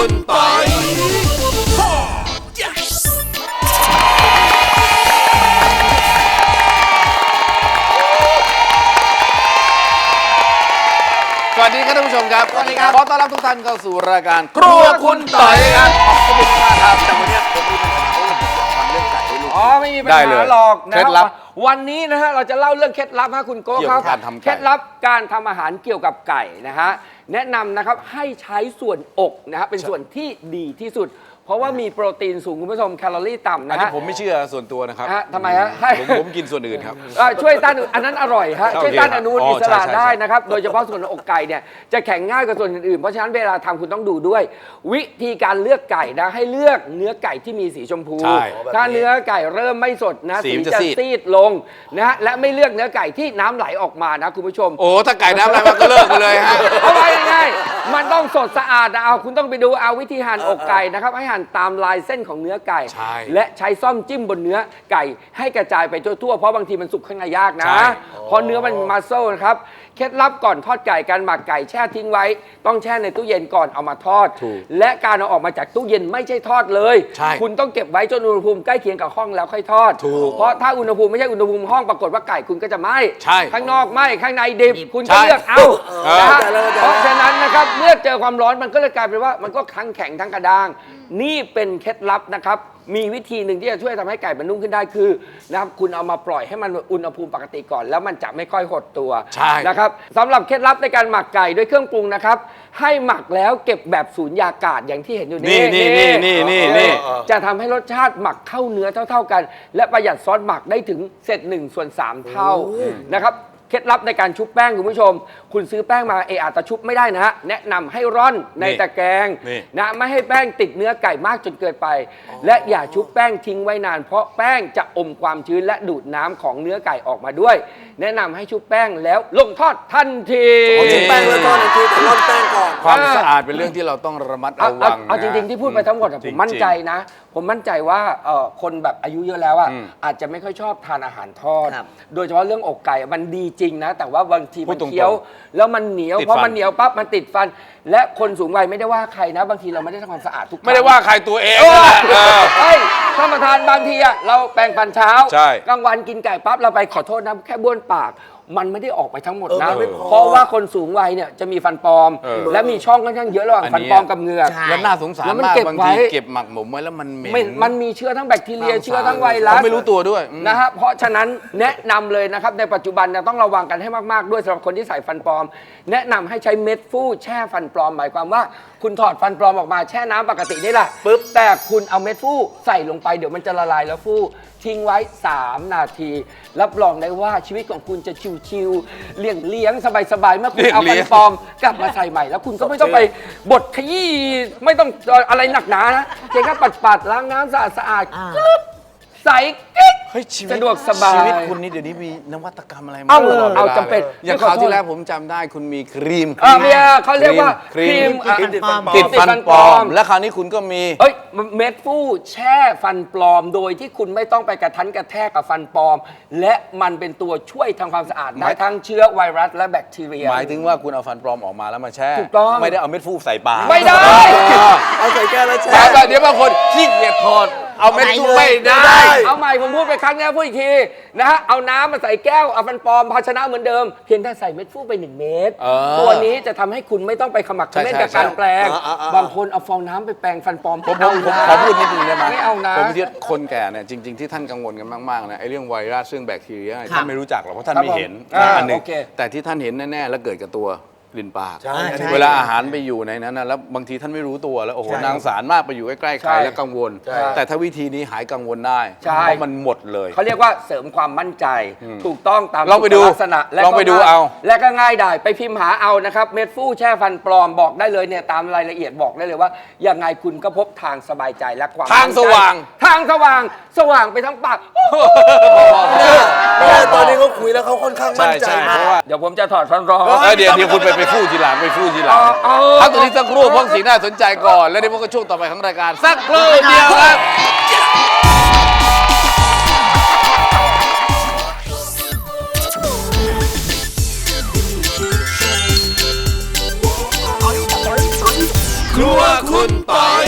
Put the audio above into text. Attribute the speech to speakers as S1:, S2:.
S1: คุณปอยสวัสดีครับท่านผู้ชมครับสวัสดีครับขอต้อนรับทุกท่านเข้าสู่รายการครัวคุณต่อยครับขอบคุณมากครับแต่วันนี้ผมมีปัญหาทำเรื่องไก่ให้ลูก
S2: ไม่มีปัญหาหรอกนะครับวันนี้นะฮะเราจะเล่าเรื่องเคล็ดลับให้คุณโก้ครับเคล็ดลับการทำอาหารเกี่ยวกับไก่นะฮะแนะนำนะครับให้ใช้ส่วนอกนะฮะเป็นส่วนที่ดีที่สุดเพราะว่ามีโปรตีนสูงคุณผู้ชมแคลอรี่ต่ำนะฮะ
S1: ผมไม่เชื่อส่วนตัวนะครับ
S2: ทำไมฮะ
S1: ผมกินส่วนอื่นครับ
S2: ช่วยต้านอันนั้นอร่อยฮะช่วยต้านอนุมูลอิสระได้นะครับโดยเฉพาะส่วนอกไก่เนี่ยจะแข็งง่ายกว่าส่วนอื่นๆเพราะฉะนั้นเวลาทำคุณต้องดูด้วย วิธีการเลือกไก่นะให้เลือกเนื้อไก่ที่มีสีชมพูถ้าเนื้อไก่เริ่มไม่สดนะสีจะซีดลงนะฮะและไม่เลือกเนื้อไก่ที่น้ำไหลออกมานะคุณผู้ชม
S1: โอ้ถ้าไก่น้ำไหลมันก็เลิกไปเลยฮะ
S2: เอาไว้ง่ายๆมันต้องสดสะอาดนะเอาคุณต้องไปดูเอาวิธีหั่นอกไก่นะครับให้หั่นตามลายเส้นของเนื้อไก่และใช้ซ่อมจิ้มบนเนื้อไก่ให้กระจายไปทั่วๆเพราะบางทีมันสุกข้างในยากนะเพราะเนื้อมันมัสเซิลนะครับเคล็ดลับก่อนทอดไก่การหมักไก่แช่ทิ้งไว้ต้องแช่ในตู้เย็นก่อนเอามาทอดและการเอาออกมาจากตู้เย็นไม่ใช่ทอดเลยคุณต้องเก็บไว้จนอุณหภูมิใกล้เคียงกับห้องแล้วค่อยทอดเพราะถ้าอุณหภูมิไม่ใช่อุณหภูมิห้องปรากฏว่าไก่คุณก็จะไหม้ข้างนอกไหม้ข้างในดิบคุณก็เลือกเอาเพราะฉะนั้นนะครับเมื่อเจอความร้อนมันก็เลยกลายเป็นว่ามันก็ทั้งแข็งทั้งกระด้างนี่เป็นเคล็ดลับนะครับมีวิธีหนึ่งที่จะช่วยทำให้ไก่มันนุ่มขึ้นได้คือนะครับคุณเอามาปล่อยให้มันอุณหภูมิปกติก่อนแล้วมันจะไม่ค่อยหดตัวนะครับสำหรับเคล็ดลับในการหมักไก่ด้วยเครื่องปรุงนะครับให้หมักแล้วเก็บแบบสูญญากาศอย่างที่เห็นอยู่นี่จะทำให้รสชาติหมักเข้าเนื้อเท่าๆกันและประหยัดซอสหมักได้ถึงเศษ1/3 เท่านะครับเคล็ดลับในการชุบแป้งคุณผู้ชมคุณซื้อแป้งมาอาจจะชุบไม่ได้นะฮะแนะนำให้ร่อนในตะแกรงนะไม่ให้แป้งติดเนื้อไก่มากจนเกินไปและอย่าชุบแป้งทิ้งไว้นานเพราะแป้งจะอมความชื้นและดูดน้ำของเนื้อไก่ออกมาด้วยแนะนำให้ชุบแป้งแล้วลงทอดทันที
S3: ชุบแป้งแล้วทอดทันทีแต่ร่อนแป้งก่อน
S1: ความสะอาดเป็นเรื่องที่เราต้องระมัดระวัง
S2: เอาจริงๆที่พูดไปทั้งหมดผมมั่นใจนะผมมั่นใจว่าคนแบบอายุเยอะแล้วอาจจะไม่ค่อยชอบทานอาหารทอดโดยเฉพาะเรื่องอกไก่มันดีจริงนะแต่ว่าบางทีมันเคี้ยวแล้วมันเหนียวเพราะมันเหนียวปั๊บมันติดฟันและคนสูงวัยไม่ได้ว่าใครนะบางทีเราไม่ได้ทำความสะอาดทุกครั้ง
S1: ไม่ได้ว่าใครตัวเอง
S2: ท่านประธานบางทีเราแปรงฟันเช้ากลางวันกินไก่ปั๊บเราไปขอโทษนะแค่บ้วนปากมันไม่ได้ออกไปทั้งหมดนะเพราะว่าคนสูงวัยเนี่ยจะมีฟันปลอมและมีช่องค่อนข้างเยอะระหว่างฟันปลอมกับเหงือก
S1: แล้วน่าสงสารมากบางทีเก็บหมักหมมไว้แล้วมันเหม็น
S2: มันมีเชื้อทั้งแบคทีเรียเชื้อทั้งไวรัส
S1: ไม่รู้ตัวด้วย
S2: นะฮะเพราะฉะนั้นแนะนำเลยนะครับในปัจจุบันต้องระวังกันให้มากๆด้วยสำหรับคนที่ใส่ฟันปลอมแนะนำให้ใช้เม็ดฟูแช่ฟันปลอมหมายความว่าคุณถอดฟันปลอมออกมาแช่น้ำปกตินี่แหละปุ๊บแต่คุณเอาเม็ดฟูใส่ลงไปเดี๋ยวมันจะละลายแล้วฟูทิ้งไว้3 นาทีรับรองได้ว่าชีวิตของคุณจะชิวๆเลี้ยงสบายๆเมื่อคุณเอาฟันปลอมกลับมาใส่ใหม่แล้วคุณก็ไม่ต้องไปบดขยี้ไม่ต้องอะไรหนักหนานะเพียงแค่ปัดล้างน้ำสะอาดใส่กิ๊กสะดวกสบาย
S1: ชีวิตคุณนี่เดี๋ยวนี้มีนวัตกรรมอะไรมา
S2: เอาจำเป็น
S1: อย่างคราวที่แล้วผมจำได้คุณมีครีม
S2: เขาเรียกว่าครีม
S1: ติดฟันปลอมและคราวนี้คุณก็มี
S2: เม็ดฟูแช่ฟันปลอมโดยที่คุณไม่ต้องไปกระทันกระแทกกับฟันปลอมและมันเป็นตัวช่วยทำความสะอาดได้ทั้งเชื้อไวรัสและแบคทีเรีย
S1: หมายถึงว่าคุณเอาฟันปลอมออกมาแล้วมาแช่
S2: ถูกต้อง
S1: ไม่ได้เอาเม็ดฟูใส่ปาก
S2: ไม่ได้
S3: เอาใส่แก้วแล้วแช่
S1: เดี๋ยวบางคนขี้เกียจถอดเอาเม็ดฟูไม่ได้
S2: เอาใหม่ผมพูดไปครั้งนี้พูดอีกทีนะฮะเอาน้ำมาใส่แก้วเอาฟันปลอมภาชนะเหมือนเดิมเพียงแต่ใส่เม็ดฟูไป1 เม็ดตัวนี้จะทำให้คุณไม่ต้องไปขมักเขม้นกับการแปลงบางคนเอาฟองน้ำไปแปลงฟันปลอม
S1: ผมขอพูดนิดนึงได้ไหม
S2: ไม่เอานะ
S1: ผมคิดคนแก่เนี่ยจริงๆที่ท่านกังวลกันมากๆนะไอ้เรื่องไวรัสเรื่องแบคทีเรียท่านไม่รู้จักหรอกเพราะท่านไม่เห็นอันนึงแต่ที่ท่านเห็นแน่ๆแล้วเกิดกับตัวลิ้นปากเวลาอาหารไปอยู่ในนั้นนะแล้วบางทีท่านไม่รู้ตัวแล้วโอ้โหนางสารมากไปอยู่ใกล้ๆใครแล้วกังวลแต่ถ้าวิธีนี้หายกังวลได้เพราะมันหมดเลย
S2: เขาเรียกว่าเสริมความมั่นใจถูกต้องตาม
S1: ลักษณะลองไปดูเอา
S2: และก็ง่ายได้ไปพิมพ์หาเอานะครับเม็ดฟูแช่ฟันปลอมบอกได้เลยเนี่ยตามรายละเอียดบอกได้เลยว่ายังไงคุณก็พบทางสบายใจและความ
S1: ทางสว่าง
S2: ไปทั้งปาก
S3: ตอนนี้เขาคุยแล้วเขาค่อนข้างมั่นใจมาก
S2: เดี๋ยวผมจะถอดฟันปลอม
S1: เดี๋ยวคุณไปฟู่ทีหลังพักตรงนี้สักครู่เพราะสิ่งน่าสนใจก่อนแล้วเดี๋ยวพวกก็ช่วงต่อไปของรายการสักครู่เดียวครับครัวคุณปอย